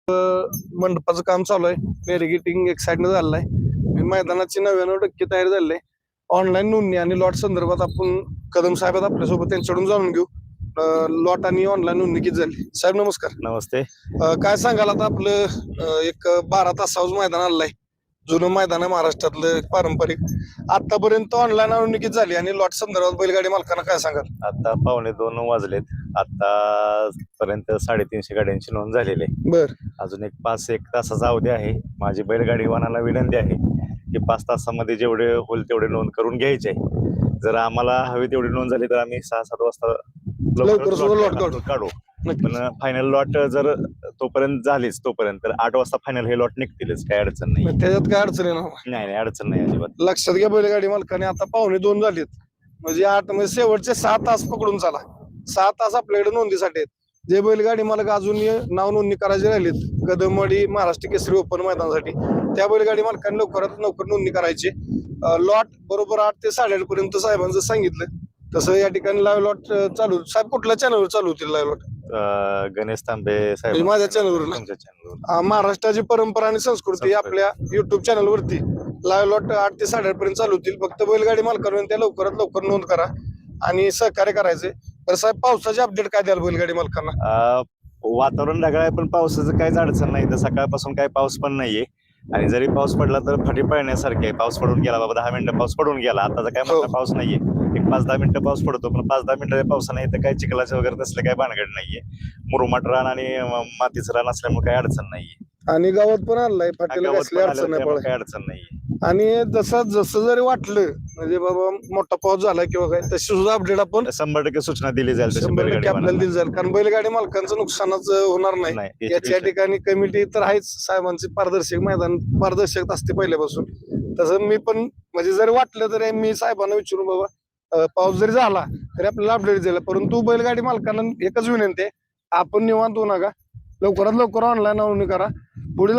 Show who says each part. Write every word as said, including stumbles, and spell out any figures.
Speaker 1: मंडपाचं काम चालू आहे. बॅरिगेटिंग एक साईडनं झालेलं आहे. मैदानाची नव्याण्णव टक्के तयारी झालेली आहे. ऑनलाईन नोंदणी आणि लॉट संदर्भात आपण कदम साहेब आहेत आपल्यासोबत, त्यांच्याकडून जाणून घेऊ. लॉट आणि ऑनलाईन नोंदणी किती झाली. साहेब नमस्कार.
Speaker 2: नमस्ते.
Speaker 1: अं, काय सांगाल आता आपलं अं, एक बारा तासावर मैदान आलंय. जुनं मैदान आहे महाराष्ट्रातलं पारंपरिक. आतापर्यंत ऑनलाईन नोंदणी किती झाली आणि लॉट संदर्भात बैलगाडी मालकांना काय सांगाल.
Speaker 2: आता पावणे दोन वाजलेत. आता पर्यंत साडेतीनशे गाड्यांची नोंद झालेली आहे.
Speaker 1: बर,
Speaker 2: अजून एक पाच एक तासाचा अवधी आहे. माझी बैलगाडी वाहनाला विनंती आहे की पाच तासामध्ये जेवढे होईल तेवढे नोंद करून घ्यायचे आहे. जर आम्हाला हवी तेवढी नोंद झाली तर आम्ही सहा सात वाजता
Speaker 1: लवकर सुद्धा लॉट काढू.
Speaker 2: काढू.
Speaker 1: नक्कीच.
Speaker 2: पण फायनल लॉट जर तोपर्यंत झालीच तोपर्यंत तर आठ वाजता फायनल हे लॉट निघतीलच. काही अडचण नाही.
Speaker 1: त्याच्यात काय अडचण आहे ना.
Speaker 2: नाही नाही अडचण नाही अजिबात.
Speaker 1: लक्षात घ्या बैलगाडी मालकाने आता पावणे दोन झालीत, म्हणजे आठ म्हणजे शेवटचे सहा तास पकडून चाला. सहा तास आपल्याकडे नोंदीसाठी आहेत. जे बैलगाडी मालक अजून नाव नोंदणी करायचे राहिलेत कदमवाडी महाराष्ट्र केसरी ओपन मैदानासाठी, त्या बैलगाडी मालकांनी लवकरात लवकर नोंदणी करायची. लॉट बरोबर आठ ते साडेआठ पर्यंत साहेबांचं सांगितलं तसं या ठिकाणी लाईव्ह लॉट चालू. साहेब कुठल्या चॅनलवर चालू होतील लाईव्ह लॉट.
Speaker 2: गणेश तांबे साहेब
Speaker 1: म्हणजे माझ्या चॅनलवर ना.
Speaker 2: तुमच्या चॅनलवर.
Speaker 1: महाराष्ट्राची परंपरा आणि संस्कृती आपल्या युट्यूब चॅनल वरती लाईव्ह लॉट आठ ते साडेआठ पर्यंत चालू होतील. फक्त बैलगाडी मालकांनी त्या लवकरात लवकर नोंद करा आणि सहकार्य करायचे. तर साहेब पावसाचे अपडेट काय द्याल बैलगाडी मालकांना.
Speaker 2: वातावरण ढगाळ आहे पण पावसाचं काहीच अडचण नाही. तर सकाळपासून काही पाऊस पण नाहीये आणि जरी पाऊस पडला तर फाटी पळण्यासारखे आहे. पाऊस पडून गेला बाबा, दहा मिनिटं पाऊस पडून गेला. आता काय मोठा पाऊस नाहीये. एक पाच दहा मिनिटं पाऊस पडतो पण पाच दहा मिनिटं पावसा नाही तर काही चिखलाचं वगैरे तसलं काही भानगड नाहीये. मुरुमाट रान आणि मातीचं रान असल्यामुळे काही अडचण नाहीये.
Speaker 1: आणि गावात पण आणलाय फाटीला कसली अडचण नाही पडत.
Speaker 2: काही अडचण नाहीये.
Speaker 1: आणि जसं जसं जरी वाटलं म्हणजे बाबा मोठा पाऊस झाला किंवा काय तशी सुद्धा अपडेट आपण
Speaker 2: शंभर टक्के सूचना दिली जाईल.
Speaker 1: शंभर टक्के आपल्याला दिली जाईल. कारण बैलगाडी मालकांचं नुकसानच होणार नाही.
Speaker 2: नाही,
Speaker 1: याच्या ठिकाणी कमिटी तर आहेच. साहेबांची पारदर्शक मैदान पारदर्शक असते पहिल्यापासून. तसं मी पण म्हणजे जरी वाटलं तरी मी साहेबांना विचारून बाबा अं, पाऊस जरी झाला तरी आपल्याला अपडेट दिला. परंतु बैलगाडी मालकांना एकच विनंती आहे, आपण निवांत होऊ नका, लवकरात लवकर ऑनलाईन नोंदणी करा. पुढील